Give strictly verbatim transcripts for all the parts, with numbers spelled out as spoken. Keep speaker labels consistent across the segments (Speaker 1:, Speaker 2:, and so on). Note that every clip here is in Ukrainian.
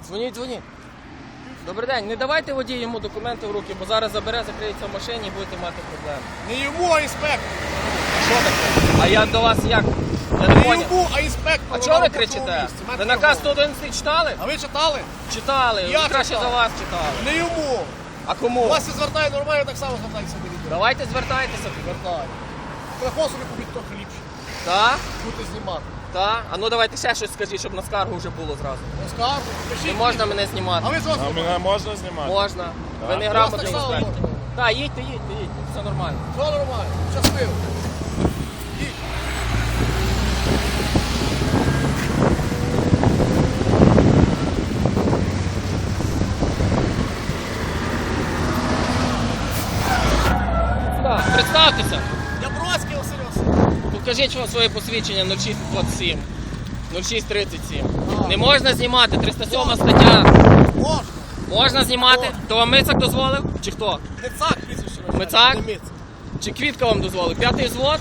Speaker 1: Дзвоніть, дзвоніть. Добрий день, не давайте водію йому документи в руки, бо зараз забере, закриється в машині і будете мати проблеми.
Speaker 2: Не йому, а інспектору.
Speaker 1: Що таке? А я до вас як? Я не
Speaker 2: Не
Speaker 1: поняв.
Speaker 2: йому, а інспектору.
Speaker 1: А чого ви кричите? Ви наказ сто одинадцять читали?
Speaker 2: А ви читали?
Speaker 1: Читали,
Speaker 2: Я
Speaker 1: ви краще
Speaker 2: читав.
Speaker 1: за вас читали.
Speaker 2: Не йому.
Speaker 1: А кому?
Speaker 2: У вас все звертає нормально, так само звертайтеся до людей.
Speaker 1: Давайте звертайтеся тоді.
Speaker 2: Звертає. Телефон собі купіть трохи ліпше.
Speaker 1: Так?
Speaker 2: Будете знімати.
Speaker 1: Так? А ну давайте ще щось скажіть, щоб на скаргу вже було зразу.
Speaker 2: Розкажу, пишіть.
Speaker 1: Не можна мене знімати.
Speaker 2: А ви що
Speaker 3: А
Speaker 2: знімаєте?
Speaker 3: мене можна знімати?
Speaker 1: Можна. Ви
Speaker 3: Так.
Speaker 1: не
Speaker 2: Вас
Speaker 1: грамотний
Speaker 2: так само
Speaker 1: інспектор.
Speaker 2: можна.
Speaker 1: Так, їдьте, їдьте, їдьте. Все нормально.
Speaker 2: Все нормально. Щасливо. Їдь.
Speaker 1: Так, представтеся.
Speaker 2: Я Бродський Василь Васильович.
Speaker 1: Покажіть вам своє посвідчення нуль шість двадцять сім. нуль шість тридцять сім.
Speaker 2: А.
Speaker 1: Не можна знімати, триста сьома стаття.
Speaker 2: Можна.
Speaker 1: Можна знімати?
Speaker 2: Можна.
Speaker 1: То вам Мицак дозволив? Чи хто?
Speaker 2: Мицак прізвище.
Speaker 1: Мицак?
Speaker 2: Не Мицак.
Speaker 1: Чи Квітка вам дозволив? П'ятий взвод?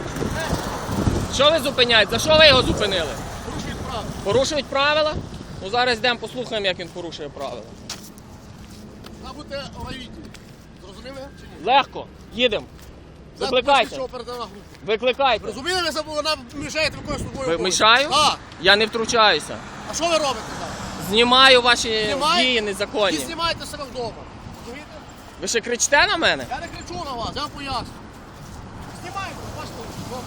Speaker 1: Що ви зупиняєте? За що ви його зупинили?
Speaker 2: Порушують право.
Speaker 1: Порушують правила? Ну зараз йдемо послухаємо, як він порушує правила.
Speaker 2: А будете в райвідділі. Зрозуміли чи ні?
Speaker 1: Легко. Їдемо. Викликайте.
Speaker 2: Що оперативна група.
Speaker 1: Викликайте.
Speaker 2: Розуміли, ви забули, вона мішає виконувати службовий
Speaker 1: Ви
Speaker 2: обов'язок?
Speaker 1: мішаю?
Speaker 2: Так.
Speaker 1: Я не втручаюся.
Speaker 2: А що ви робите зараз?
Speaker 1: Знімаю ваші
Speaker 2: Знімаєте?
Speaker 1: дії
Speaker 2: І
Speaker 1: незаконні.
Speaker 2: знімаєте себе вдома. Розумієте?
Speaker 1: Ви ще кричите на мене?
Speaker 2: Я не кричу на вас, я вам поясню. Знімайте, бачите, вдома.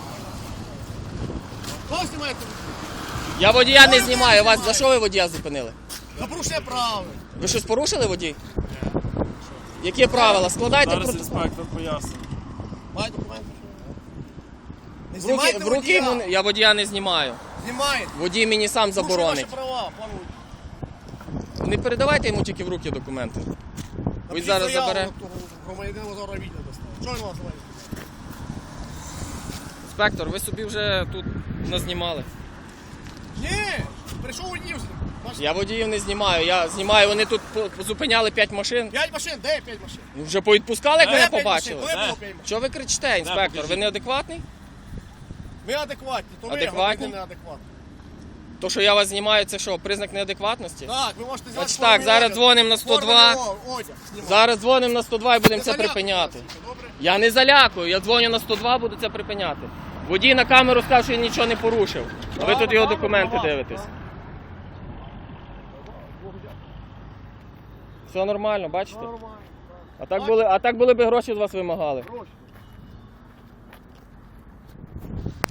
Speaker 2: Кого знімаєте?
Speaker 1: Я водія не
Speaker 2: Ой, ви
Speaker 1: знімаю. Вас за
Speaker 2: знімаєте.
Speaker 1: що ви водія зупинили?
Speaker 2: За порушення прав.
Speaker 1: Ви щось порушили, водій? Які правила? Складайте
Speaker 3: Зараз
Speaker 1: протокол.
Speaker 3: інспектор пояснить.
Speaker 2: Маєте документи? Не
Speaker 1: В руки,
Speaker 2: знімайте
Speaker 1: в руки
Speaker 2: водія.
Speaker 1: йому не- я водія не знімаю.
Speaker 2: Знімаєте.
Speaker 1: Водій мені сам
Speaker 2: Порушує
Speaker 1: заборонить.
Speaker 2: ваші права, пане водій.
Speaker 1: Не передавайте йому тільки в руки документи. Ви
Speaker 2: Напишіть
Speaker 1: зараз
Speaker 2: заяву
Speaker 1: забере.
Speaker 2: на того громадянина зараз відео достав. Чого він вас знімає?
Speaker 1: Інспектор, ви собі вже тут назнімали.
Speaker 2: Ні, прийшов водій. Бачите?
Speaker 1: Я водіїв не знімаю. Я знімаю, вони тут по- зупиняли п'ять машин.
Speaker 2: П'ять машин, де п'ять машин?
Speaker 1: Ну, вже повідпускали, як
Speaker 2: Де
Speaker 1: мене
Speaker 2: п'ять машин?
Speaker 1: побачили.
Speaker 2: Коли було п'ять машин?
Speaker 1: Чого ви кричите, інспектор? Ви
Speaker 3: покажіть.
Speaker 1: неадекватний?
Speaker 2: Ви адекватні, то ви
Speaker 1: Адекватні?
Speaker 2: громадяни неадекватні.
Speaker 1: То, що я вас знімаю, це що, признак неадекватності?
Speaker 2: Так, ви можете взяти
Speaker 1: Значить так, зараз дзвонимо на сто два. Зараз дзвонимо на сто два і будемо це припиняти.
Speaker 2: Добре?
Speaker 1: Я не залякую, я дзвоню на сто два, буду це припиняти. Водій на камеру сказав, що він нічого не порушив. А ви тут його документи дивитесь. Все нормально, бачите?
Speaker 2: Нормально.
Speaker 1: А так були, а так були б гроші з вас вимагали.
Speaker 2: Гроші.